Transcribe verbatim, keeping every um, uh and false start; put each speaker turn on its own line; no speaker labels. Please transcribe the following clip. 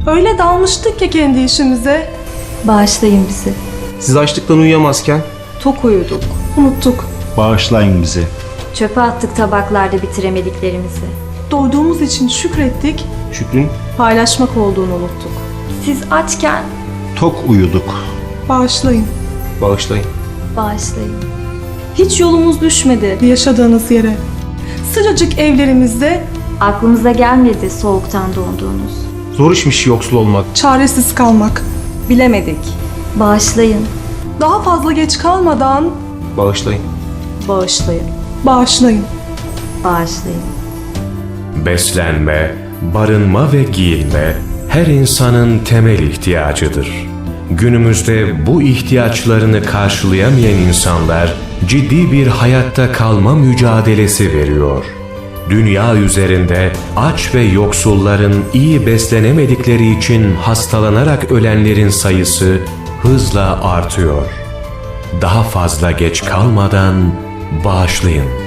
Öyle dalmıştık ki kendi işimize.
Bağışlayın bizi.
Siz açlıktan uyuyamazken
Tok uyuduk.
Unuttuk.
Bağışlayın bizi.
Çöpe attık tabaklarda bitiremediklerimizi.
Doyduğumuz için şükrettik.
Şükrün
Paylaşmak olduğunu unuttuk.
Siz açken
Tok uyuduk.
Bağışlayın.
bağışlayın.
bağışlayın.
Hiç yolumuz düşmedi yaşadığınız yere. Sıcacık evlerimizde
Aklımıza gelmedi soğuktan donduğunuz.
Zor işmiş yoksul olmak.
çaresiz kalmak. Bilemedik.
Bağışlayın.
Daha fazla geç kalmadan
Bağışlayın.
Bağışlayın.
bağışlayın.
Bağışlayın.
Beslenme, barınma ve giyinme her insanın temel ihtiyacıdır. Günümüzde bu ihtiyaçlarını karşılayamayan insanlar ciddi bir hayatta kalma mücadelesi veriyor. Dünya üzerinde aç ve yoksulların iyi beslenemedikleri için hastalanarak ölenlerin sayısı hızla artıyor. Daha fazla geç kalmadan bağışlayın.